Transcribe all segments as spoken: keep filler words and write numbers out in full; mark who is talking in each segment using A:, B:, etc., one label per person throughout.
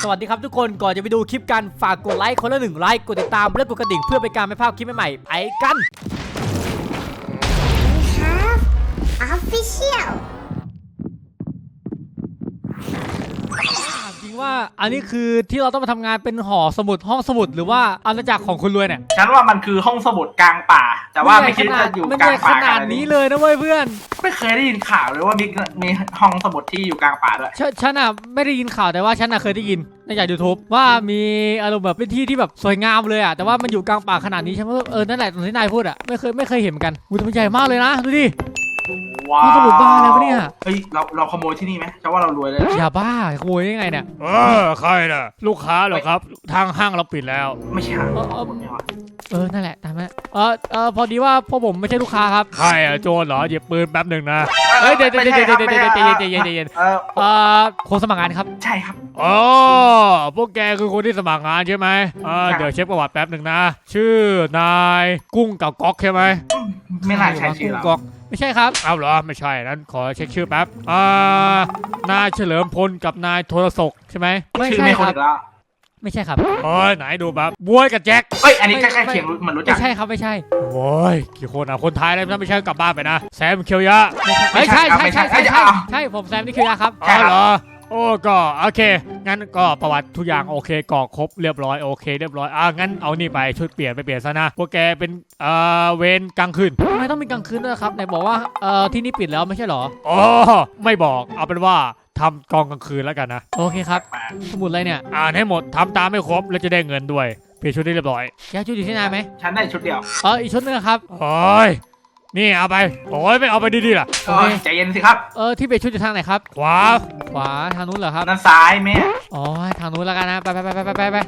A: สวัสดีครับทุกคนก่อนจะไปดูคลิปกันฝากกดไลค์คนละหนึ่งไลค์กดติดตามและกดกระดิ่งเพื่อเป็นการไม่พลาดคลิปใหม่ๆไปกัน
B: Official
A: จริงว่าอันนี้คือที่เราต้องมาทำงานเป็นหอสมุดห้องสมุดหรือว่าอาณาจักรของคุณรวยเนี่ย
C: ฉันว่ามันคือห้องสมุดกลางป่าแต่ว่าไม่คิดจะอยู่กลางป่า
A: ขนาดนี้เลยนะเว้ยเพื่อน
C: ไม่เคยได้ยินข่าวเลยว่ามีมีห้องสมุดที่อยู่กลางป่าด้วย
A: ฉันอ่ะไม่ได้ยินข่าวแต่ว่าฉันอ่ะเคยได้ยินในจากยูทูบว่ามีอารมณ์แบบเป็นที่ที่แบบสวยงามเลยอ่ะแต่ว่ามันอยู่กลางป่าขนาดนี้ฉันว่าเออนั่นแหละตรงที่นายพูดอ่ะไม่เคยไม่เคยเห็นเหมือนกันอุ้ยมันใหญ่มากเลยนะดูดิ
C: ว้าว
A: สมุดบ้าอะไรวะเนี่ย
C: เฮ้ยเราเราขโมยที่นี่ไหมจะว่าเรารวยเลย
A: อย่าบ้าขโมยได้ไงเนี่ย
D: เออใครน่ะลูกค้าเหรอครับทางห้างเราปิดแล้ว
C: ไม่ใช่
A: เออเออเออนั่นแหละตามนั้นเออเออพอดีว่าพวกผมไม่ใช่ลูกค้าครับ
D: ใครอะโจรเหรอหยิบปืนแป๊บหนึ่งนะ
A: เฮ้ยเดี๋ยวเดี๋ยวเดี๋ยวเดี๋ยวเดี๋ยวเดี๋ยวใจเย็นใจเย็น
C: เออ
A: เออคนสมัครงานครับ
C: ใช่ครับ
D: อ๋อพวกแกคือคนที่สมัครงานใช่ไหมเออเดี๋ยวเช็คประวัติแป๊บหนึ่งนะชื่อนายกุ้งกับก๊อกใช่ไหม
C: ไม่น่าใช่ชื่อเรา
A: ไม่ใช่ครับ
D: เอาเหรอไม่ใช่นั้นขอเช็คชื่อแป๊บอ่านายเฉลิมพลกับนายโทรศกใช่ไหม
A: ไม่ใช่ครับไม่ใช่ครับ
D: โอ้ยไหนดูแบบบวยกับแจ็ค
C: เอ้ยอันนี้ใกล้ๆเคียงมันรู้จัก
A: ไม่ใช่ครับไม่ใช่
D: โอ้ยกี่คนอ่ะคนไทยอะไรไม่ใช่กลับบ้านไปนะแซมเคียวยะ
A: ไม่ใช่ใช่ใช่ใช่ใช่ใช่ผมแซมนี่เคียวยะครับ
D: อ๋อเหรอโอ้ก็โอเคงั้นก็ประวัติทุกอย่างโอเคกรอกครบเรียบร้อยโอเคเรียบร้อยอ่ะงั้นเอานี่ไปชุดเปลี่ยนไปเปลี่ยนซะนะพวกแกเป็นเอ่อเวรกลางคืน
A: ทำไมต้องมีกลางคืนด้วยครับไหนบอกว่าเอ่อที่นี่ปิดแล้วไม่ใช่หรอ
D: อ๋อไม่บอกเอาเป็นว่าทำกองกลางคืนแล้วกันนะ
A: โอเคครับสมุดอะไรเนี่ย
D: อ่านให้หมดทำตามให้ครบแล้วจะได้เงินด้วยเปลี่ยนชุดได้เรียบร้อย
A: แกชุดอยู่ที่ไหนไหม
C: ฉันได้ชุดเดียว
A: เอออีกชุดนึงครับ
D: โอ้ยนี่เอาไปโอ้ยไม่เอาไปดีๆล่ะ
C: ใจเย็นสิครับ
A: เออที่เปลี่ยนชุดอยู่ทางไหนครับ
D: ขวา
A: ขวาทางนู้นเหรอครับ
C: ด้านซ้ายแม่
A: อ๋อทางนู้นแล้วกันนะไปไปไปไปไปไป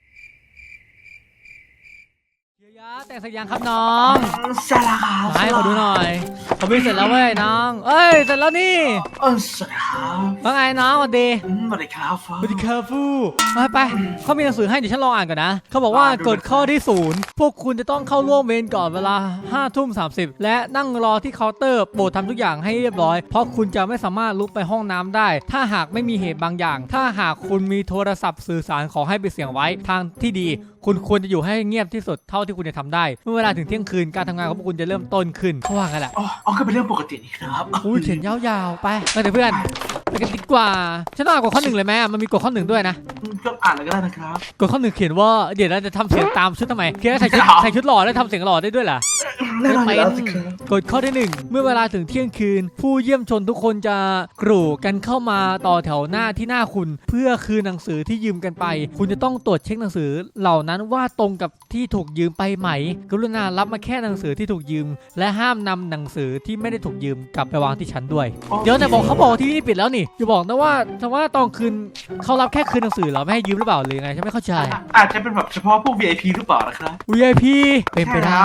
A: แต่งเสร็จยังครับน้อง
C: เสร็จแล้วครับ
A: ให้ขอดูหน่อยผมวิ่งเสร็จแล้วเว้ยน้องเอ้ยเสร็จแล้วนี่
C: เออเสร็จแล้ว
A: ว่าไงน้องสวัสดี
C: สวัสดีครับ
A: สวัสดีครับฟูมาไปเขามีหนังสือให้เดี๋ยวฉันลองอ่านก่อนนะเขาบอกว่ากฎข้อที่ศูนย์พวกคุณจะต้องเข้าร่วมเวรก่อนเวลาห้าทุ่มสามสิบและนั่งรอที่เคาน์เตอร์โปรดทำทุกอย่างให้เรียบร้อยเพราะคุณจะไม่สามารถลุกไปห้องน้ำได้ถ้าหากไม่มีเหตุบางอย่างถ้าหากคุณมีโทรศัพท์สื่อสารขอให้ปิดเสียงไว้ทางที่ดีคุณควรจะอยู่ให้เงียบที่สุดเท่าที่คุณจะทำได้เมื่อเวลาถึงเที่ยงคืนการทำงานของพวกคุณจะเริ่มต้นขึ้นเขาว่ากันแหละ
C: อ๋อก็เป็นเรื่องปกตินี่ครับ
A: อุ้ยเขียนยาวๆไปไปเพื่อนไปกันดีกว่าฉันต้องอ่านกฎข้อหนึ่งเลยไหมมันมีกฎข้อหนึ่งด้วยนะ
C: ก็อ่านเลยก็ได้นะครับ
A: กฎข้อหนึ่งเขียนว่าเดี๋ยวเราจะทำเสียงตามชุดทำไมเขียนใส่ชุดใส่ชุดหล่อได้ทำเสียงหล่อได้ด้วยล่ะ
C: ไม่เป็น
A: กฎข้อที่หนึ่งเมื่อเวลาถึงเที่ยงคืนผู้เยี่ยมชนทุกคนจะกรูกันเข้ามาต่อแถวหน้าที่หน้าคุณเพื่อคืนหนังสือที่ยืมกันไปคุณจะต้องตรวจเช็คหนังสือเหล่านั้นว่าตรงกับที่ถูกยืมไปไหมกรุณารับมาแค่หนังสือที่ถูกยืมและห้ามนำหนังสือที่ไม่ได้ถูกยืมกลับไปวางที่ชั้นด้วยเดี๋ยวแต่บอกเขาบอกที่นี่ปิดแล้วนี่อย่าบอกนะว่าแต่ว่าตอนคืนเขารับแค่คืนหนังสือเหรอไม่ให้ยืมหรือเปล่าหรือไงฉันไม่เข้าใจ
C: อาจจะเป็นแบบเฉพาะพวก วี ไอ พี หรือเปล่านะครับ
A: วี ไอ พี เป็นไปได้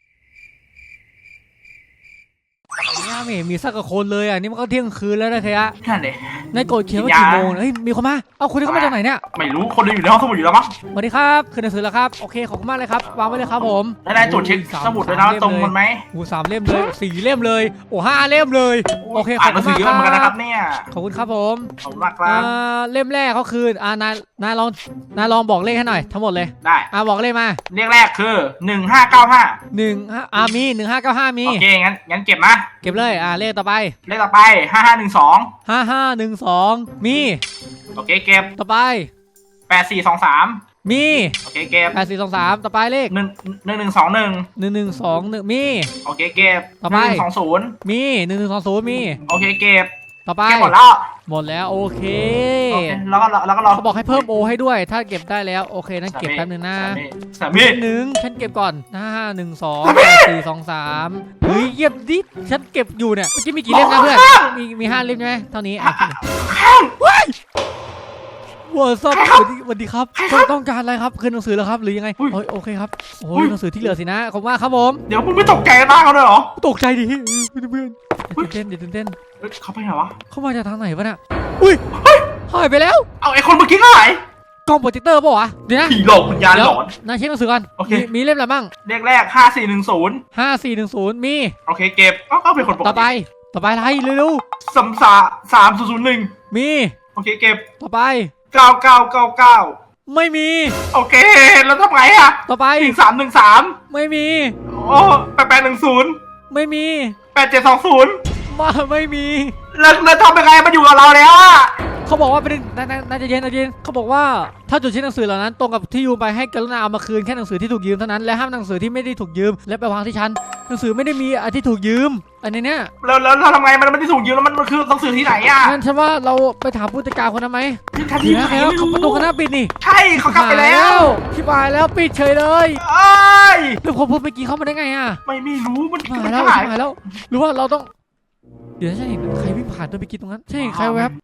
A: เนี่ยไม่มีสักคนเลยอ่ะนี่มันก็เที่ยงคืนแล้วนะเทีย
C: นั่นเลย
A: ในกฎเขียนว่ากี่โมงเฮ้ยมีคนมาเอาคุณที่เขามาจากไหนเนี่ย
C: ไม่รู้คนเดียวอยู่ในห้องสมุดอยู่แล้วมั้ง
A: สวัสดีครับคืนหนังสือแล้วครับโอเคขอบคุณมากเลยครับวางไว้เลยครับผม
C: ได้ได้ตรวจเช็คสมุดเลยนะตรงกันไหม
A: โอ้สามเล่มเลยสี่เล่มเลยโอ้ห้าเล่มเลยโอเคขอบคุณมากครับ
C: นะครับเนี่ย
A: ขอบคุณครับผม
C: ขอบคุณมากครับ
A: เล่มแรกเขาคืนอ่านายนายลองนายลองบอกเลขให้หน่อยทั้งหมดเลย
C: ได้
A: อ่าบอกเลขมา
C: เลขแรกคือหนึ่งห้าเก้าห้า
A: หนึ่งอ่ามีหนึ่งห้าเก้าห้ามี
C: โอเคงั้นงั้นเก็บนะ
A: เก็บเลยอ่าเลขต่อไป
C: เลขต่อไปห้าห้าหนึ่งสอง
A: ห้าห้าหนึ่งสองมี
C: โอเคเก็บ
A: ต่อไป
C: แปดสี่สองสาม
A: มี
C: โอเคเก็บ
A: แปดสี่สองสามต่อไปเลข
C: หนึ่งหนึ่งหนึ่งสองหนึ่ง
A: หนึ่งหนึ่งสองหนึ่งมี
C: โอเคเก็บ
A: ต่อไป
C: สองศูนย์
A: มีหนึ่งหนึ่งสองศูนย์มี
C: โอเคเก็บ
A: ต่อไป
C: หมดแล้ว
A: หมดแล้วโอเค
C: แล้วก็แล้วก็รอ
A: เขาบอกให้เพิ่มโอให้ด้วยถ้าเก็บได้แล้วโอเคนั่นเก็บแป๊บนึงนะ
C: สามห
A: นึ่งฉันเก็บก่อนห้าหนึ่งสองสี่สองสามเฮ้ยเยียบดิฉันเก็บอยู่เนี่ยเมื่อกี้มีกี่เล่มนะเพื่อนมีมีห้าเล่มใช่ไหมเท่านี้อ่ะว้ายว้าวสวัสดีครับต้องการอะไรครับคืนหนังสือแล้วครับหรือยังไงโอเคครับโอ้ยหนังสือที่เหลือสินะขอบคุณมากครับผม
C: เดี๋ยวคุณไม่ตกใจมากเขาเลยเหรอ
A: ตกใจดิเพื่อนตื่นเต้นเดี๋ยวตื่นเต้น
C: เขาไปไหนวะ
A: เขามาจากทางไหนวะเนี่ยอุ้ยหายไปแล้ว
C: เอาไอ้คนเมื่อกี้ก็หาย
A: กล้องโปรเจคเตอร์ป่าวะเดี๋ยวนะ
C: ผีหลอกวิญญาณหลอน
A: นายเช็คหนังสือก่อนโอเคมีเล่มอะไรบ้าง
C: เลขแรกห้าสี่หนึ่งศูนย์
A: ห้าสี่หนึ่งศูนย์มี
C: โอเคเก็บก็เป็นคนปกติ
A: ต่อไปต่อไปอะไรเร็ว
C: ๆสามสามสามศูนย์ศูนย์หนึ่ง
A: มี
C: โอเคเก็บ
A: ต่อไป
C: แปเก้าเก้าเก้าเก้า
A: ไม่มี
C: โอเคแล้วทำไงอะ
A: ต่อไป
C: หนึ่งสามหนึ่งสาม
A: ไม่มี
C: โอ้แปดแปดหนึ่งศูนย์
A: ไม่มี
C: แปดเจ็ดสองศูนย์
A: มาไม่มี
C: แล้วแล้วทำยังไงมันอยู่กับเราแล้วอะ
A: เขาบอกว่าเป็นน่าน่าน่าจะเย็นน่าจะเย็นเขาบอกว่าถ้าจุดชิ้นหนังสือเหล่านั้นตรงกับที่ยืมไปให้กรุณาเอามาคืนแค่หนังสือที่ถูกยืมเท่านั้นและห้ามหนังสือที่ไม่ได้ถูกยืมและไปวางที่ชั้นหนังสือไม่ได้มีอันที่ถูกยืมอันนี้เนี่ย
C: แล้วแล้วเราทำไงมันไม่ได้ถูกยืมแล้วมันมันคือหนังสือที่ไหนอะ
A: งั้นฉันว่าเราไปถามผู้จัดการคนนั้นไหม
C: ทันที
A: เดี๋ยว
C: ไหน
A: แล้ว
C: ไม่
A: เขา
C: รู้
A: ประตูคณะปิดนี่
C: ใช่เขากลับไปแล้ว
A: ที่บายแล้วปิดเฉยเลย
C: เอ้ย
A: แล้วคนพูดเมื่อกี้เข้ามาได้ไงอ่ะ
C: ไม่ไม่รู้มัน
A: หา
C: มัน
A: แล้ว
C: หาย
A: หายแล้วหรือว่าเราต้อง เดี๋ยวฉันเห็นใครวิ่งผ่านตัวเมื่อกี้ตรงนั้นใช่เห็นใครแวบ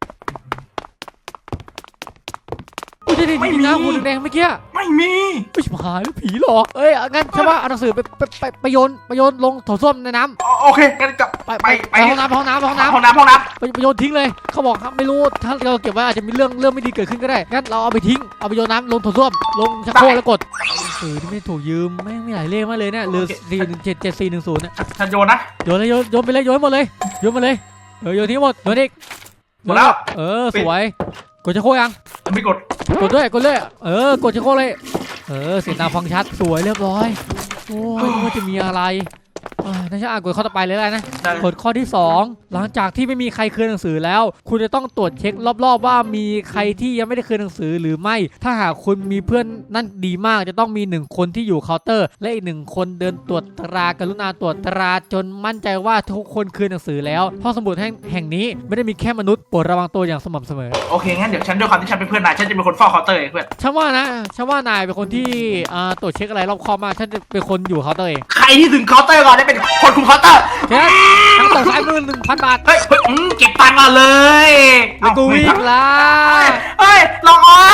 A: อุ้ยได้ดิจริงๆนะหัวแดงๆเมื่อกี้
C: ไม่มี
A: ไม่ชิบหายแล้วผีหรอเอ้ยงั้นใช่ป่ะเอาหนังสือไปไปไปไปโยนไปโยนลงโถส้วมในน้ำ
C: โอโอเคงั้นกลับ
A: ไป
C: ไป
A: ไปไปห้องน้ำไปห้องน้ำไปห้องน้
C: ห้องน้ำห้องน้
A: ำไปไปโยนทิ้งเลยเขาบอกครับไม่รู้ถ้าเราเก็บไว้อาจจะมีเรื่องเรื่องไม่ดีเกิดขึ้นก็ได้งั้นเราเอาไปทิ้งเอาไปโยนน้ำลงโถส้วมลงชักโครกแล้วกดหนังสือที่ไม่ถูกยืมไม่งมีหลายเลขมากเลยเนี่ยเหลือสี่หนึ่งเจ็ดเจ็ดสี่หนึ่งศูนย์เนี่ย
C: ำฉันโยนนะ
A: โยนเลยโยนโยนไปเลยโยนหมดเลยโยนมาเลยเออโยนทิ้งหมดโยนอีก
C: หมดแล้ว
A: เออสวยกดชักโครกยัง
C: ไม่กด
A: กดด้วยกดเลยเออกดชักโครกเลยเออเสียงดังฟังชัดสวยเรียบร้อยโอ้ยว่าจะมีอะไรอ่าน่าจะอ่านกดข้อต่อไปเลยแล้วนะ
C: ได้
A: กฎข้อที่สองหลังจากที่ไม่มีใครคืนหนังสือแล้ว คุณจะต้องตรวจเช็ครอบๆว่ามีใครที่ยังไม่ได้คืนหนังสือหรือไม่ ถ้าหากคุณมีเพื่อนนั่นดีมากจะต้องมีหนึ่งคนที่อยู่เคาน์เตอร์ และอีกหนึ่งคนเดินตรวจตรากรุณาตรวจตราจนมั่นใจว่าทุกคนคืนหนังสือแล้วห้องสมุดแห่งแห่งนี้ไม่ได้มีแค่มนุษย์โปรดระวังตัวอย่างสม่ำเสมอ
C: โอเคงั้นเดี๋ยวฉันด้วยความที่ฉันเป็นเพื่อนนายฉันจะเป็นคนเฝ้าเคาน์เตอร์เองเพื่อน
A: ฉันว่านะฉันว่านายเป็นคนที่อ่าตรวจเช็คอะไรรอบคอบมากฉันจะเป็นคนอยู่เคาน์เตอร์เอง
C: ใครที่ถึงเคาน์เตอร์ก่อนได้เป็นคนคุมเคาน์เตอร์
A: เช่ทั้งตกซ้ายมือหนึ่งพันบาท
C: เฮ้ยเฮ้ยอืมเก็บตังค์ก่อนเลย
A: แล้วกูวิ่งละ
C: เฮ้ยลองออน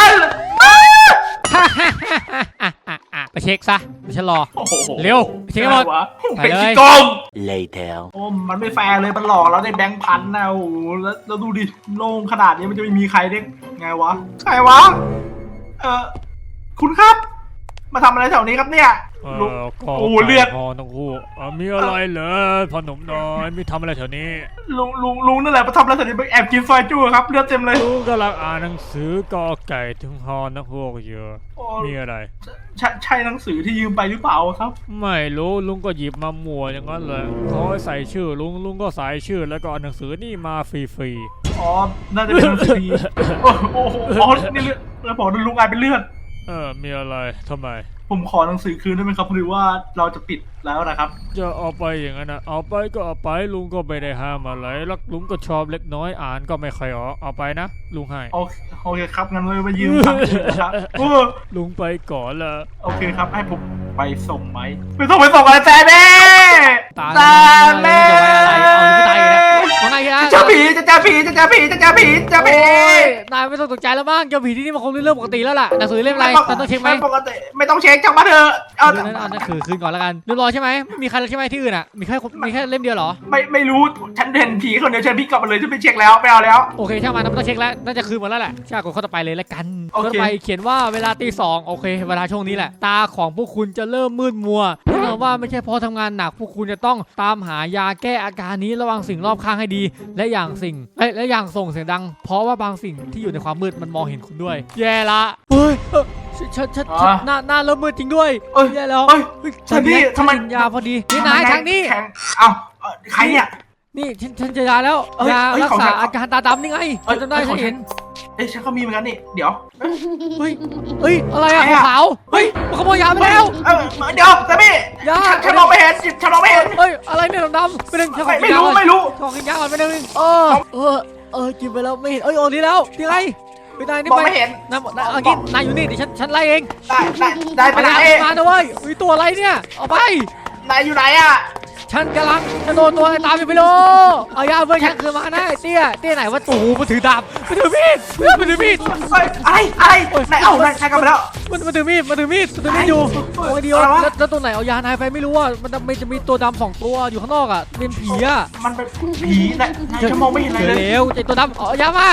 A: ไปเช็คซะฉันรอ
C: โอ้โห
A: เร็วเช็คให้หมด
C: เป็น
A: ไปเลย
C: ขี้โกง
B: Later
C: โอ้มันไม่แฟร์เลยมันหลอกเราได้แบงค์พันนะโอ้โหแล้วแล้วดูดิโล่งขนาดนี้มันจะไม่มีใครได้ไงวะใครวะเออคุณครับ มาทำอะไรแถวนี้ครับเนี่ย
D: เอ
C: ลุง
D: อก็
C: โอ้โหเลือด
D: พอทั้งคู่เออมีอะไรเหรอพอหนุ่มน้อยมีทำอะไรแถวนี้
C: ลุงลุงลุงนั่นแหละมาทำอะไรแถวนี้ไปแอบกินซอยจู้ครับเลือดเต็มเลย
D: ลูกกำลังอ่านหนังสือกอไก่ถึงฮอนักพวกเยอะ
C: โอ้
D: มีอะไร
C: ใช่ใช่หนังสือที่ยืมไปหรือเปล่าครับ
D: ไม่รู้ลุงก็หยิบมาหมัวอย่างนั้นเลยเขาให้ใส่ชื่อลุงลุงก็ใส่ชื่อแล้วก็เอาหนังสือนี่มาฟรี
C: อ๋อน่าจะเป็นหนังสือดีโอ้โหอ๋อนี่เลือดแล้วบอกว่าลุงกลายเป็นเลือด
D: ๆเออมีอะไรทำไม
C: ผมขอหนังสือคืนได้ไหมครับหรือว่าเราจะปิดแล้วนะครับ
D: จะเอาไปอย่างนั้นนะเอาไปก็เอาไปลุงก็ไม่ได้ห้ามอะไรแล้วลุงก็ชอบเล็กน้อยอ่านก็ไม่ค่อยออกเอาไปนะลุงให้
C: โอเคโอเคครับงั้นเลยมายืมตังค์คืนนะครับโอ้
D: ลุงไปก่อนละ
C: โอเคครับให้ผมไปส่งไหมไม่ต้องไปส่งอะไรแจ๊แม่
A: ตา
C: แจ๊
A: แม่
C: แม่
A: เอาไม่ตายอยู่แล้วว่าไงนะ
C: จะเจอผีจะเจอผีจะเจอผีจะเจอผีจะเจอผี
A: โอ้ยนายไม่ต้องตกใจแล้วบ้างเจ้าผีที่นี่มันคงเป็นเรื่องปกติแล้วล่ะหนังสือเล่มอะไรแต่ต้องเช็คไหม
C: ปกติไม่ต้องเช็คจังมาเถอะเอา
A: เดี๋ยวนั้นเอาหนังสือคืนก่อนแล้วกันเรียบร้อยใช่ไหมไม่มีใครแล้วใช่ไหมที่อื่นอ่ะมีแค่มีแค่เล่มเดียวเหรอ
C: ไม่ไม่รู้ฉันเห็นผีคนเดียวฉันพี่กลับมาเลยฉันไปเช็คแล้วไม่เอาแล้ว
A: โอเคช่างมันนะไม่ต้องเช็คแล้วน่าจะคืนหมดแล้วแหละช่างกดข้อต่อไปเลยแล้วกัน
C: โอเค
A: ข้อต่อไปเขียนว่าเวลาตีสองโอเคเวลาช่วงนี้แหละตาของพวกคุณจะเริ่มมืดมัวแน่นอนว่าไม่ใช่เพราะทำงานหนักพวกคุณจะต้องตามหายาแก้อาการนี้ระวังสิ่งรอบข้างให้ดี และอย่างสิ่งและและอย่างส่งเสียงดัง เพราะว่าบางสิ่งที่อยู่ในความมืดมันมองเห็นคุณด้วย แย่ละเฮ้ยเอ้อฉันฉันฉันฉันหน้าหน้าเริ่มมืดจริงด้วย
C: เอ้ย
A: แย่แล้ว
C: เอ้ย
A: เฮ้ย
C: ฉันนี่ทำไม
A: ฉักิยาพอดีนี่นายทางนี้
C: แข็งเอ้าเอ่อใครเนี่ย
A: นี่ฉันฉันเจะยาแล้ว
C: เอ้ย
A: ยา
C: เอ้ย
A: รัก
C: ของ
A: ษา
C: ฉัน
A: อาการตาดำนี่ไง
C: เอ้ย
A: จำได้
C: เอ้ย
A: ฉัน
C: ของฉัน
A: เห็น
C: เอ้ยฉันก็มีเหมือนกันนี่เดี๋ยว
A: เฮ้ยเฮ้ยอะไรอะ
C: ใครอะ
A: ขาวๆเฮ้ยมันขโมยยาไปแล้ว
C: เออเดี๋ยวแต่พี่
A: ยา
C: ฉันฉันมองไม่เห็นฉันมองไม่เห็น
A: เฮ้ยอะไรเนี่ยดำๆไปหนึ่งฉันขอ
C: ไม่
A: กิน
C: ไม่
A: ยา
C: รู้
A: ก่อน
C: ไม่รู้
A: ขอกินยาก่อนไปหนึ่งเออเออเออกินไปแล้วไม่เห็นเอ้ยโอ้นี่แล้วยังไงไปนายนี่
C: มอง
A: ไป
C: ไม่เห็น
A: นายนายเอางี้นายอยู่นี่เดี๋ยวฉันฉันไล่เอง
C: ได้ได้ได้ไป
A: ไป
C: ไหน
A: มานะเว้ยอุ้ยตัวอะไรเนี่ยเอาไป
C: นายอยู่ไหนอ่ะ
A: ฉันกำลังจะโดนตัวอะไรตามอยู่ไม่รู้เอายาเพื่อนฉันคืนมานะไอ้เตี้ยเตี้ยไหนวะโอ้โหมันถือดาบมันถือมีดมันถือมีด
C: เฮ้ยอะไรอะไรนายเอ้านายนายกลับไปแล้ว
A: มันมันถือมีดมันถือมีดมันถือมีดอยู่โอ้ยเดียว
C: อะไรวะ
A: แล้วแล้วตัวไหนเอายานายไปไม่รู้ว่ามันมันจะมีตัวดำสองตัวอยู่ข้างนอกอ่ะเป็นผีอ่ะ
C: มันเป็นผีนายนายจะมองไม่เห็นอะไร
A: เจอ
C: เลย
A: แล้วไอ้ตัวดำเอายามา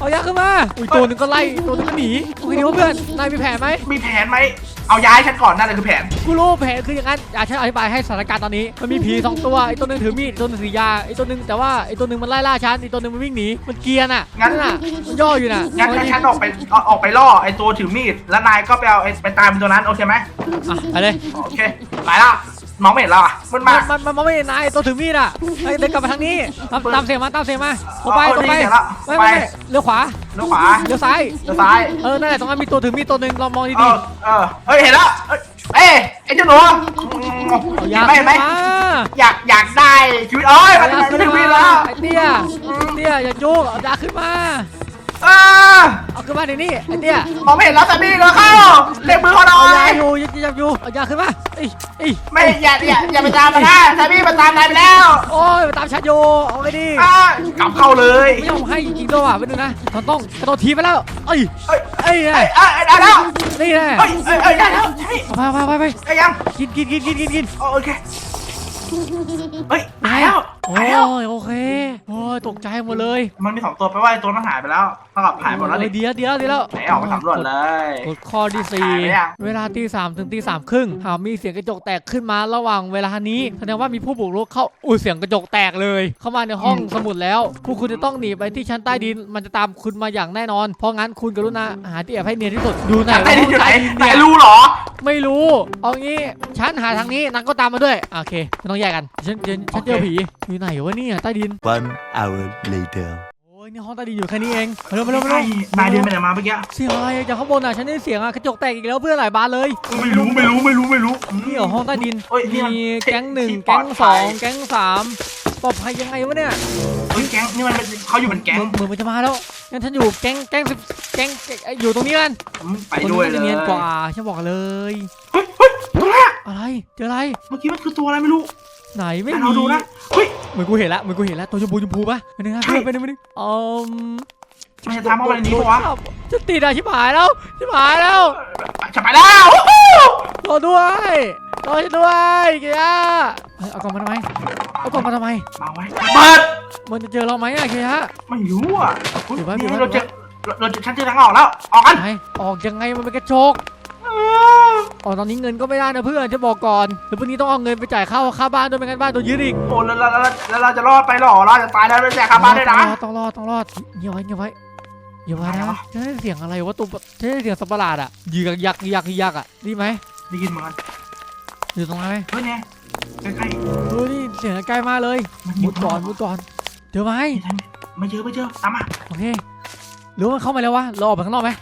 A: เอายาขึ้นมาอุ้ยตัวหนึ่งก็ไล่ตัวหนึ่งก็หนีโอเคดีวะเพื่อนนายมีแผนไหม
C: มีแผนไหมเอาย้ายฉันก่อนนั่นแหละคือแผน
A: กูรู้แผนคืออย่างนั้นอยากฉันอธิบายให้สถานการณ์ตอนนี้มันมีผีสองตัวไอ้ตัวหนึงถือมีดตัวหนึงถือยาไอ้ตัวหนึงแต่ว่าไอ้ตัวหนึงมันไล่ล่าฉันไอ้ตัวหนึงมันวิ่งหนีมันเกรียร์น่ะนั่นน่ะมันย่ออยู่น่ะ
C: งั้นงั้นฉันออกไปออกออกไปล่อไอ้ตัวถือมีดแล้วนายก็ไปเอาไอ้ไปตามตัวนั้นโอเคไหม
A: อ่ะไปเลย
C: โอเคไปละมองไม่เห็นเราอ่ะมัน
A: มั
C: มาน
A: มันมันมันไม่เห็นนายตัวถือมีดอ่ะไอ้เดินกลับมาทางนี้ตามตามเสียงมาตามเสียงมาตรงไปตรงไปไม่ไม่เลี้ยวขวา
C: เลี้ยวขวา
A: เลี้ยวซ้าย
C: เลี้ยวซ้าย
A: เออนั่นแหละตรงนั้นมีตัวถือมีดตัวหนึ่งลองมอง
C: เอ
A: ดี
C: อเออเฮ้ยเห็นแล้วเอ้ยไอ้เจ้าหนู
A: ๆเอายา
C: เห็นไหมเห็นไหม
A: มา
C: อยากอยากได้ชีวิตเอ้ยมัน
A: เอายา
C: มัน
A: ขึ้น
C: ชีวิต
A: มา
C: แล้ว
A: ไอ้เตี้ยเตี้ยอย่าจุกเอายาขึ้นมา
C: เออ
A: เอาขึ้นมาเดี๋ยวนี้ไอ้เตี้ย
C: มองไม่เห็นแล้วแต่นี่เราเข้าเรียกมือเขาหน่
A: เอา
C: อย
A: ยาอยู่ยัดยัดอยู่เอายาขึ้นมาเอ้ยเอ้ย
C: ไม่อย่าอย่าอย่าไปตามมันนะแต่พี่มันตามนายไปแล้ว
A: โอ้ยมาตามฉันอยู่เอาไงดี
C: อ่ากลับเข้าเลย
A: ไม่ยอมให้จริงๆด้วยว่ะไปดูนะมันต้องกระโดดทีไปแล้วเอ้ย
C: เอ้ย
A: เอ้ย
C: เอ้ยเอ้ยได้แล้ว
A: นี่แหละ
C: เอ้ยเอ้ยเอ้ยได้แล้วใช่
A: ไปไปไปไป
C: ได้ยัง
A: กินกินกินกินกินกิน
C: โอเคเฮ้ยหายแล้ว
A: โอ้
C: หายแล้ว
A: ยโอเคโอ้ยตกใจหมดเลย
C: มันมีสองตัวไปว่าไอ้ตัวนั้นหายไปแล้วเท่ากับหายหมดแล้วดิ
A: เดียวเดียวเดียวแล้ว
C: ไหนออกมาสำรวจเลย
A: กดข้อที่สี่
C: หายไปยัง
A: เวลาตีสามถึงตีสามครึ่งหากมีเสียงกระจกแตกขึ้นมาระหว่างเวลานี้แสดงว่ามีผู้บุกรุกเข้าอุ้ยเสียงกระจกแตกเลย เข้ามาในห้องสมุดแล้วพวกคุณจะต้องหนีไปที่ชั้นใต้ดินมันจะตามคุณมาอย่างแน่นอน เพราะงั้นคุณกรุณาหาที่แอบให้เนียนที่สุดดูไหน
C: ไอ้นี่อยู่ไหน
A: ห้ง
C: ไหน
A: เย
C: รู้เหรอ
A: ไม่รู้เอางี้ฉันหาทางนี้นางก็ตามมาด้วยโอเคไม่ต้องแยกกันฉันฉันฉันเจอผีอยู่ไหนวะเนี่ยใต้ดิน
B: One hour later.
A: โอ้ยนี่ห้องใต้ดินอยู่แค่นี้เองมาเร็วมาเร็วมา
C: ใช่
A: เร็วน
C: ายเดินไปไหนมาเมื่อกี้
A: เสียงอะไรจากข้างบนอ่ะฉันได้เสียงอ่ะกระจกแตกอีกแล้วเพื่อนหลายบานเลย
C: ไม่รู้ไม่รู้ไม่รู้ไม่รู้
A: นี่เหรอห้องใต้ดิน
C: เฮ้ยนี่
A: มี
C: มัน
A: แก๊งหนึ่ง
C: ที่ปล
A: แก๊
C: อด
A: ง
C: ภัย
A: สองแก๊งสามปลอดภัยยังไงวะเนี่ย
C: เฮ้ยแก๊งนี่มันเป็นเขาอยู่เป็นแก๊ง
A: เหมือนเหมือนมันจะมาแล้วงั้นฉันอยู่แก๊งแก๊งสิบแก๊งแก๊งเอ้ยอยู่ตรงนี้กัน
C: อืมไปด้วย
A: คน
C: เล
A: นี้
C: ย
A: จะเนียนกว่าฉันบอกเลย
C: เฮ้ยเฮ้ยตัวแรก
A: อะไรเจออะไร
C: เมื่อกี้มันคือตัวอะไรไม่รู้
A: ไหนไม่
C: แต่
A: มี
C: เราดูนะเฮ้ย
A: เหมือนกูเห็นละเหมือนกูเห็นละตัวชมพูชมพูปะไปหนึ่งนะ
C: ใช่
A: เพื่อนไปหนึ่งไปหนึ่งอืม
C: มันจะทำเข้ามาในนี้ปะวะ
A: จะติดอะชิบหายแล้วชิบหายแล้ว
C: จะไปแล้ว
A: รอด้วยรอฉันด้วยเกียร์เฮ้ยเอากล่องมาทำไมเอากล่องมาทำไม
C: มาไว้เปิด
A: มันจะเจอเราไหมอะเกียร์
C: ไม่รู้อ่ะ
A: เดี๋ยวไว้
C: นี่
A: เดี๋ยวไว้
C: เราเจอเราเราฉันเจอทางออกแล้วออกกัน
A: ไหนออกยังไงมันเป็นกระจกอ๋อตอนนี้เงินก็ไม่ได้นะเพื่อนจะบอกก่อนเดี๋ยวพรุ่งนี้ต้องเอาเงินไปจ่ายค่าค่าบ้านด้วยไม่งั้นบ้านโดนยึดอีก
C: โอ้แล้วแล้วแล้วเราจะรอดไปหรอเราจะตายแล้วเราจะขับบ้านได้นะ
A: ต้องรอดต้องรอดเงียบไว้เงียบไว้เงียบไว้
C: อะไร
A: นะ
C: วะ
A: จะได้เสียงอะไรวะตัวจะได้เสียงสัตว์ประหลาดอะยืกยักยักยักอะได้ไหม
C: ได้ยินเหมือนกัน
A: อยู่ตรงไหน
C: เฮ้ยเนี่ยใกล้
A: เออนี่เสียงใกล้มากเลย
C: ๆมัน
A: มุดก่อนมุดก่อนเจอไหม
C: ไม่เจอไม่เจอตามมา
A: โอเคหรือว่ามันเข้ามาแล้ววะเราออกไปข้างนอกไหม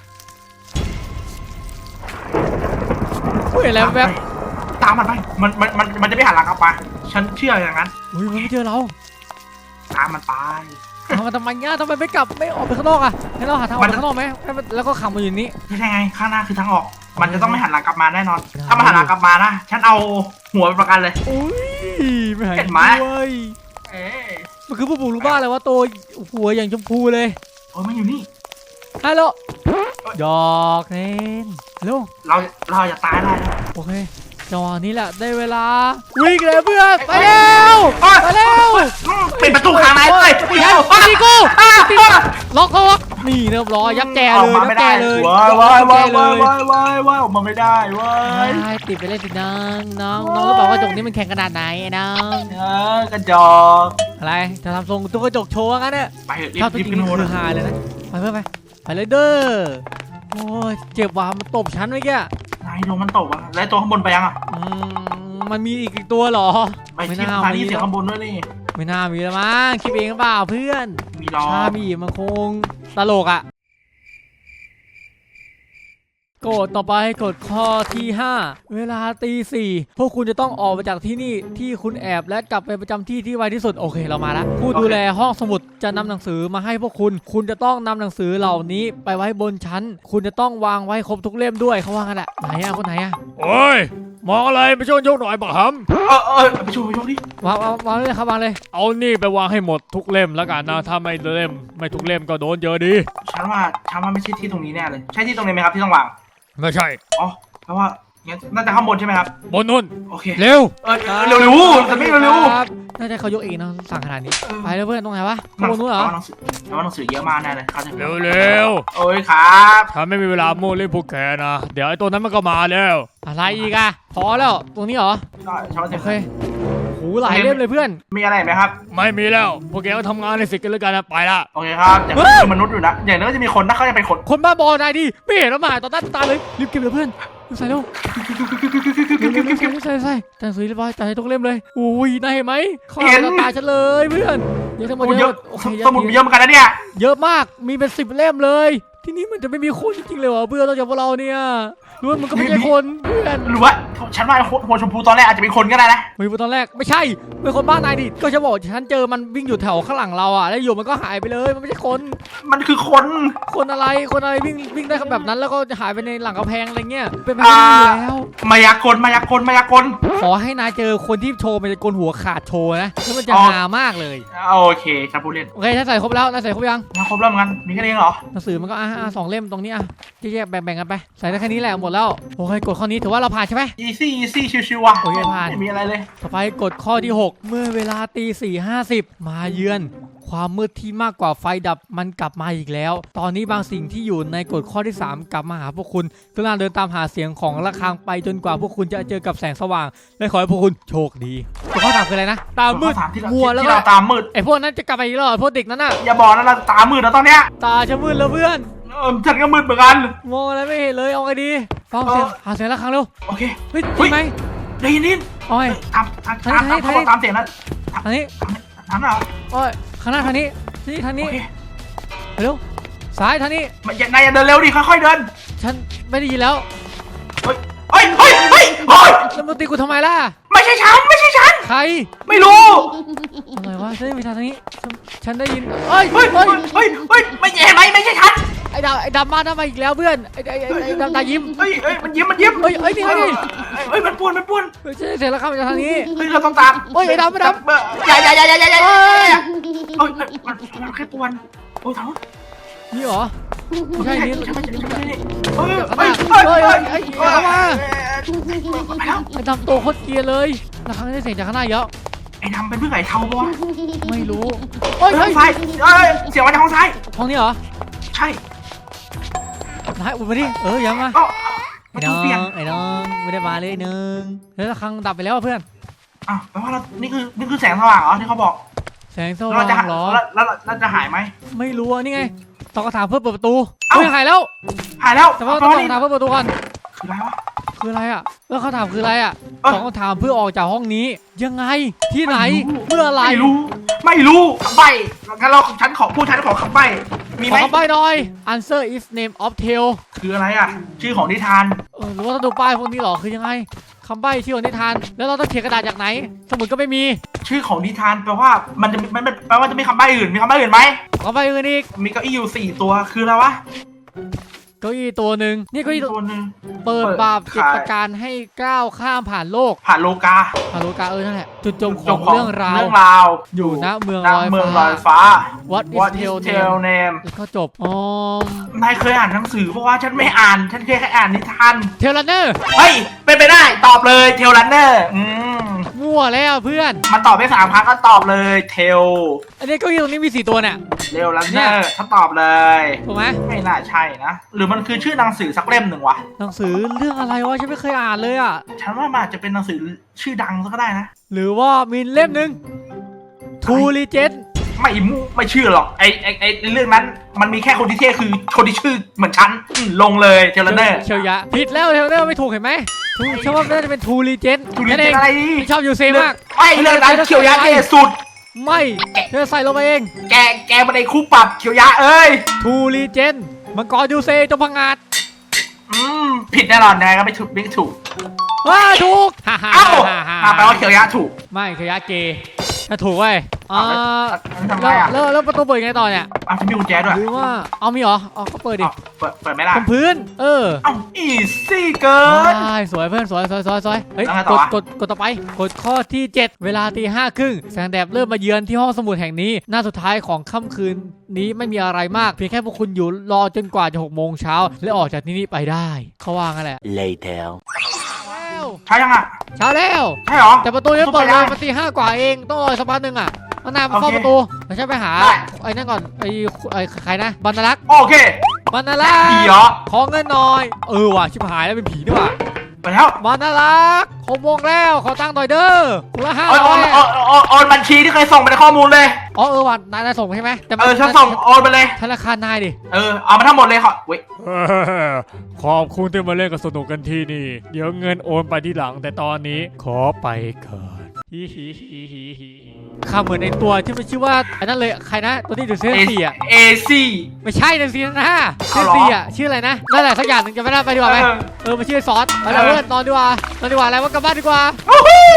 A: เฮ้ยอะไรแวบ
C: ตามมันไปมันมันมันมันจะไม่หันหลังกลับมาฉันเชื่ออย่างนั้น
A: เฮ้ยมันไม่เจอเรา
C: ตามมันไป
A: ทำไมทำไมเนี่ยทำไมไม่กลับไม่ออกไปข้างนอกอะให้เราหาทางออกไปข้างนอกไหมให้มันแล้วก็ขังมาอยู่นี่
C: ไม่ใช่ไงข้างหน้าคือทางออก มันจะต้องไม่หันหลังกลับมาแน่นอน ถ้ามันหันหลังกลับมานะฉันเอาหัวเป็นประกันเลย
A: อุ้ยไม่หาย
C: เห็นไหม
A: ด้วย
C: เอ๊ะ
A: มันคือผู้บุกรุกบ้านเลยว่าตัวหัวอย่างชมพูเลย
C: โอ้ยมันอยู่นี่
A: ฮัลโหลหยอกเล่นฮัลโหล
C: เราเราจะตายได้แล้ว
A: โอเคจังหวะนี้แหละได้เวลาวิ่งเลยเพื่อนไปเร็ว
C: โอ๊ย
A: ไปเร็ว
C: อืมปิดประตูข้างในเลย
A: ตีกูตีกูตีกูล็อกเขาล็อกนี่เรียบร้อยยับแจ
C: อ
A: เล
C: อก
A: ย
C: มา
A: ยับ
C: ไม่
A: แจ
C: ได้
A: เลย
C: ว้าย
A: ยั
C: ว้าย
A: บแจ
C: ว้าย
A: เล
C: ว้าย
A: ย
C: ว้ายว้ายว้ายออกมาไม่ได้ว้าย
A: ใช่ติดไปเล่นสิน้องน้องน้องรู้เปล่าว่าจกนี้มันแข็งขนาดไหนน้อง
C: เออกระจอก
A: อะไรจะทำทรงตุ๊กกระจกโชว์งั้นเนี่ย
C: ไปเถอะรี
A: ถ้า
C: บ
A: ตัว
C: รี
A: จ
C: บ
A: ริง
C: ขึ้น
A: นี่
C: โน้ต
A: คือหายเลยนะไปเพื่อนไปไปเลยเด้อโอ้ยเจ็บว่ะมันตบฉันเมื่อกี้
C: นายลงมันตกอ่ะแล้วตัวข้างบนไปยังอ่ะ
A: อืมมันมีอีกตัวเหรอ
C: ไป
A: ไม่
C: ที่
A: น่า
C: สถานี
A: มี
C: เสียงข้างบนด้วยนี่
A: ไม่น่ามีแล้วมั้งคิดเองหรือเปล่าเพื่อน
C: มีล้อ
A: ถ้ามีมันคงตลกอ่ะกดต่อไปกดข้อที่ห้าเวลาตีสี่พวกคุณจะต้องออกมาจากที่นี่ที่คุณแอบและกลับไปประจำที่ที่ไวที่สุดโอเคเรามาแล้วผู้ดูแลห้องสมุดจะนำหนังสือมาให้พวกคุณ คุณจะต้องนำหนังสือเหล่านี้ไปไว้บนชั้น คุณจะต้องวางไว้ครบทุกเล่มด้วยเขาว่ากันแหละไหนอะคนไหนอะ
D: โอ้ยมองอะไรไปช่วยยกหน่อยบักห
C: เออเออไปชูไปชูดิ
A: วางวางวางเลยครับวางเลย
D: ำเอานี่ไปวางให้หมดทุกเล่มแล้วกันนะถ้าไม่เล่มไม่ทุกเล่มก็โดนเยอะดี
C: ฉันว่าฉันว่าไม่ใช่ที่ตรงนี้แน่เลย ใช่ที่ตรงนี้ไหมครับที่ต้องวาง
D: ไม่ใช่
C: อ๋อแปลว่างั้นน่าจะข้างบนใช่ไหมครับ
D: บนนู่น
C: โอเค
D: เร็ว
C: เออเร็วเร็วๆจะไม่เร็ว
A: ครับน่าจะเขายกเองนะสั่งขนาดนี้ไปแล้วเพื่อนตรงไหนวะ
C: ๆ
A: ข้างบนนู้นเหรอ
C: หนังสือแล้วหนังสือเยอะมากแน่เลยเขาจะ
D: เร็วเร็ว
C: โอ้ยครับ
D: ฉันไม่มีเวลาโม้เล่นพวกแกนะเดี๋ยวไอ้ตัวนั้นมันก็มาแล้ว
A: อะไรอีกอะพอแล้วตรงนี้เหรอ
C: ใช่ชอบ
A: โอ
C: เต็ม
A: เคโหหลายเล่มเลยเพื่อน
C: มีอะไรไหมครับ
D: ไม่มีแล้วพวกแกก็ทำงานในสิกันแล้วกันนะไปละ
C: โอเคครับอย่างนั้นคือมนุษย์อยู่นะอย่างนั้นก็จะมีคนถ้าเขาจะเป็นคน
A: คนบ้าบอนายดิไม่เห็นแล้วมาต่อหน้าต่อตาเลยรีบเก็บเลยเพื่อนรีบใส่เร็วเร็วเร็วเร็วใส่ใส่ใส่แต่หนังสือเรียบร้อยจ่ายทุกเล่มเลยอุ้ยนายเห็นไหมเขาเอาต่อตาฉันเลยเพื่อนเยอะทั้งหมด
C: โอ้
A: เย
C: เย
A: อะ
C: อะ
A: โอเค
C: สมุดมีเยอะเหมือนกันนะเนี่ย
A: เยอะมากมีเป็นสิบเล่มเลยที่นี่มันจะไม่มีคนจริงๆเลยวะเพื่อนเราจากพวกเราเนี่ยรู้ว่ามันก็ไม่ใช่คนเพื่อน
C: หรือว่าฉันว่าหัวชมพูตอนแรกอาจจะเป็นคนก็ได้นะ
A: ไม่รู้ตอนแรกไม่ใช่เป็นคนบ้านนายดิก็จะบอกฉันเจอมันวิ่งอยู่แถวข้างหลังเราอ่ะแล้วอยู่มันก็หายไปเลยมันไม่ใช่คน
C: มันคือคน
A: คนอะไรคนอะไรวิ่งวิ่งได้แบบนั้นแล้วก็หายไปในหลังกำแพงอะไรเงี้ยเป็นไปไม่ได้อยู่แล้ว
C: มายากลมายากลมายากล
A: ขอให้นายเจอคนที่โชว์มันจะโกนหัวขาดโชว์นะแล้วมันจะ
C: อ๋อ
A: ฮามากเลย
C: โอเคครับผู้เล่น
A: โอเคถ้าใส่ครบแล้วนายใส่ครบยัง
C: มาครบแล้วเหมือนกันมีแค่นี้เหรอ
A: หนังสือมันก็อ่ะอ่ะสองเล่มตรงนี้อ่ะแยกๆแบ่งๆกันไปใส่ได้แค่นี้แหละหมดแล้วโอเคกดข้อนี้ถือว่าเราผ่านใช่ไหม
C: อีซี่อีซี่ชิวๆว่ะ
A: โอเคผ่าน
C: ไม่มีอะไรเลย
A: ต่อไปกดข้อที่หกเมื่อเวลาตีสี่ห้าสิบมาเยือน ความมืดที่มากกว่าไฟดับมันกลับมาอีกแล้ว ตอนนี้บางสิ่งที่อยู่ในกฎข้อที่สามกลับมาหาพวกคุณกำลังเดินตามหาเสียงของระฆังไปจนกว่าพวกคุณจะเจอกับแสงสว่างและขอให้พวกคุณโชคดีกฎข้อสามคืออะไรนะตามืด
C: ข้อสามที่เรา
A: มัวแล้ว
C: ที่
A: ก็
C: เราตามมืด
A: ไอพวกนั้นจะกลับมาอีกแล้วเหรอพวกเด็กนั้นน่ะ
C: อย่าบอกนะเราตามมืดแล้วตอนเนี้ย
A: ตาจะมืดแล้วเพื่อน
C: เออฉันก็มืดเหมือนกัน
A: มองอะไรไม่เห็นเลยเอาไงดีฟังเสียง
C: เออ
A: หาเสียงระฆังเร็ว
C: โอเค
A: เฮ้ย
C: เฮ้
A: จริ
C: ย
A: งไหม
C: ได้ยินนิด
A: เอาไง
C: ตามตามตามตามเขาบอกตามเสียงนั้น
A: ทางนี้
C: ทางนั้นเหรอ
A: โอ้ยข้างหน้าทางนี้นี่ทางนี้
C: โอเค
A: เร็วซ้ายทางนี้
C: ไม่อย่านายอย่าเดินเร็วดิค่อยๆเดิน
A: ฉันไม่ได้ยินแล้ว
C: เฮ้ยเฮ้ยเฮ้ยเฮ้ยเฮ้ย
A: แล้วมึงตีกูทำไมล่ะ
C: ไม่ใช่ฉันไม่ใช่ฉัน
A: ใคร
C: ไม่รู้
A: อะไรวะฉันได้ยินทางนี้ฉันฉันได้ยินเอ้ย
C: เฮ้ย
A: เฮ้
C: เฮ้
A: ย
C: ยเฮ้ยเฮ้ยไม่เห็นไหมไม่ใช่ฉัน
A: ไอ้ดาวไอ้ดำมาดำมาอีกแล้วเพื่อนไอ้ไอ้ไอ้ไอ้ดำตายิ้ม
C: เฮ้ยเฮ้ยมันยิ้มมันยิ้ม
A: เฮ้ยเฮ้ยนี่ไงนี่
C: เฮ้ยมันป้วนมันป้วน
A: เฮ้ยฉันได้เสียงแล้วครับจากทางนี้
C: เฮ้ยเราต้องตาม
A: เฮ้ยไอ้ดำไอ้ดำ
C: อย่าอย่าอย่าอย่าอย่าอย่า
A: เฮ้ย
C: เฮ้ยมันมันแค่ป้วนโอ้ยทั้ง
A: นี่เหรอไม่ใช่นี่
C: ใช่ไหมใช่ไหมใช่ไหมเฮ้ย
A: เฮ้
C: เฮ้
A: ย
C: ย
A: เฮ้
C: เฮ้
A: ย
C: ย
A: เฮ้
C: เฮ้
A: ย
C: ย
A: เอามา
C: ไปแล้ว
A: ไอ้ดำโตโคตรเกรียร์เลยแล้วครั้งนี้ได้เสียงจากข้างหน้าเยอะ
C: ไอ้ดำเป็นเพื่อนไอ้เทาปะวะ
A: ไม่รู้เฮ้ย
C: ห้
A: เฮ้
C: อย งซ้ายเอ้ยเสียงมาจากห้องซ้าย
A: ห้องนี้เหรอ
C: ใช่
A: นายอุ่นมาดิเออยังมา
C: ก็
A: ไอ้
C: มัน
A: น้
C: ถู
A: อก
C: เปลี่ยน
A: งไอ้น้องไม่ได้มาเลยหนึ่งแล้วระฆังดับไปแล้วอะเพื่อน
C: อ้าวแปลว่าเรานี่คือนี่คือแสงสว่างเหรอที่เขาบอก
A: แสงส
C: แล้ว
A: ว่า
C: เราจะ
A: งเหรอ
C: แล้วแล้วเราจะหายไหม
A: ไม่รู้อ่ะนี่ไงตอบคำถามเพื่อเปิดประตู
C: เอ้า
A: เฮ้ยหายแล้ว
C: หายแล้ว
A: แต่ว่า
C: แป
A: ต้
C: ล
A: องต
C: ว่า
A: อบ
C: นี่
A: คำถามเพื่อเปิดประตูก่อน
C: คืออะไรวะ
A: คืออะไรอ่ะแล้วคำถามคืออะไรอ่ะ
C: เอ้า
A: ตอบคำถามเพื่อออกจากห้องนี้ ยังไงที่ไหนเมื่อไหร
C: ไม่รู้ ไม่รู้คำใบ้งั้นเราฉันขอพูดฉันขอคำใบ้มี
A: ข
C: ไห
A: อ
C: ม
A: คำใบ้หน่อย answer is name of tale
C: คืออะไรอ่ะ ชื่อของนิทาน
A: เออหรือว่าต้องดูป้ายพวกนี้เหรอคือยังไงคำใบ้ชื่อของนิทานแล้วเราต้องเขียนกระดาษจากไหน สมุดก็ไม่มี
C: ชื่อของนิทานแปลว่ามันจะมันมันแปลว่าจะมีคำใบ้อื่นมีคำใบ้อื่นไหม
A: คำใบ้อื่นอีก
C: มีเก้าอี้อยู่สี่ตัวคืออะไรวะ
A: เก้าอี้ตัวหนึ่งนี่เก้าอี้
C: ตัวหนึ่ง
A: เปิด
C: เปิด
A: บาปเจ็ด
C: ขาย
A: ประการให้ก้าวข้ามผ่านโลก
C: ผ่านโลกา
A: ฮาโลกาเออนั่นแหละจุดจบข
C: จ
A: อบ ง
C: ของ
A: เรื่องราว
C: เรื่องราว
A: อยู่ณเมือง
C: ณ
A: ลอย
C: เมืองล
A: ฟ้า
C: อยฟ้า
A: What is
C: What
A: tale
C: is tale name
A: แล้วก็จบอ๋อน
C: ายเคยอ่านหนังสือเพราะว่าฉันไม่อ่าน ฉันเคยแค่อ่านนิทาน
A: เทเลเนอร์
C: เฮ้ย เป็นไปได้ ตอบเลยเทลลันเนอร์อืม
A: มั่วแล้วเพื่อน
C: มันตอบได้สามครั้งก็ตอบเลยเทล
A: อันนี้เก้าอี้ตรงนี้มีสี่ตัวเนี่ย
C: เทลลัน
A: เนี่
C: เนอย ร์ถ้าตอบเลย
A: ถูกไหม
C: ไม่น่าใช่นะ หรือมันคือชื่อหนังสือสักเล่มหนึ่งวะ
A: หนังสือเรื่องอะไรวะฉันไม่เคยอ่านเลยอ่ะ
C: ฉันว่ามันอาจจะเป็นหนังสือชื่อดังก็ได้นะ
A: หรือว่ามีเล่มหนึ่งทูรีเจน
C: ไม่มูไม่เชื่อหรอกไอไอไอเรื่องนั้น มันมีแค่คนที่เท่คือคนที่ชื่อเหมือนฉันอืมลงเลยเทลลันเนอร์
A: เชียวยะผิดแล้วเทเลเนอร์ไม่ถูกเห็นไหมถูกฉันว่าน่าจะเป็นทูรีเจน
C: ทูรี
A: นั่น
C: เจ
A: เอน ง
C: อะไรดี
A: ไม่ชอบยูเซมาก
C: ไม่เรื่องนั้นเขียวยะเท่สุด
A: ไม่เธอใส่ลงไปเอง
C: แกแกมาในคู่ปรับเขียวยะเอ้ย
A: ทูรีเจนมังกรยูเซจงพังงาด
C: อืมผิดแน่นอนนะก็ไม่ถูกไม่ถูก
A: ว้าถูกฮ่าฮ่า
C: เอ้า
A: ฮ่าฮ่า
C: อ่าแปลว่าเขียวยะถูก
A: ไม่เขียวยะเกย์ถ้าถูกเว้ยอ่า
C: แล้วทำไง
A: แล้ว
C: อ่ะ
A: แล้วแล้วประตูเปิดยังไงต่อเนี่ย
C: อ้าวจะมีกุญแจด้วย
A: หรือว่าเอามีเหรอเอาก็เปิดดิ
C: อ้าวเปิดเปิดไม่ได้
A: บนพื้น เออ
C: เอ้าอีซี่เกิน
A: ใช่สวยเพื่อนสวยสวยสวยสวยเฮ้ย
C: แล้วไง
A: ก
C: ต่อ
A: ด
C: วะ
A: กดกดต่อไปกดข้อที่เจ็ดเวลาตีห้าครึ่งแสงแดดเริ่มมาเยือนที่ห้องสมุดแห่งนี้หน้าสุดท้ายของค่ำคืนนี้ไม่มีอะไรมากเพียงแค่พวกคุณอยู่รอจนกว่าจะหกโมงเช้าและออกจากที่นี่ไปได้เขาว่างั้นแหละ
B: Later.
C: ใช่ยังอ่ะ
A: เช้าแล้ว
C: ใช่เหรอ
A: แต่ประตูยังไม่เปิด
C: ไม่
A: เล
C: ได้
A: ยมันตีห้ากว่าเองต้องรอสักพักหนึ่งอ่ะมานาวมาเฝ้า
C: โอเค
A: ประตูเดี๋ยวฉันไปหา
C: ได้
A: ไอ้นั่นก่อนไอ้ไอ้ใครนะบรรลักษ์
C: โอเค
A: บรรลักษ์
C: ผีเหรอ
A: ขอเงินหน่อยเออว่ะชิบหายแล้วเป็นผีด้วยว่ะ
C: ไปแล้ว
A: บรรลักษ์หกโมงแล้วขอตังค์หน่อยเด้อคนละห้า
C: โอนโอ
A: ร้อน ย
C: โอนโอนโอนบัญชีที่เคยส่งไปในข้อมูลเลย
A: อ๋อเออว่ะนายนายส่งใช่ไหมแต่มั
C: เออฉันส่งโอนไปเลย
A: ธนาคารนายดิ
C: เออเอามาทั้งหมดเลยขอเว้ย
D: เออขอบคุณที่มาเล่นกับสนุกกันที่นี่ เดี๋ยวเงินโอนไปที่หลังแต่ตอนนี้ขอไปก่อนฮิฮิฮิฮิฮิ
A: ข้าเหมือนไอ้ตัวที่มันชื่อว่าไอ้นั่นเลยใครนะตัวที่ถือเซนสี่อ่ะ
C: เอซี่
A: ไม่ใช่เซนสี่นะเซ
C: เอา
A: น
C: เหรอ
A: สี่อ่ะชื่ออะไรนะนั่นแหละสักอย่างหนึ่งจะไม่ได้ไปดีกว่าไหม
C: เออ
A: เออมันชื่อซอสไปแล้ว
C: เออ
A: เพื่อนนอนดีกว่านอนดีกว่าอะไรว่ากลับบ้านดีกว่า
C: วู้ฮู้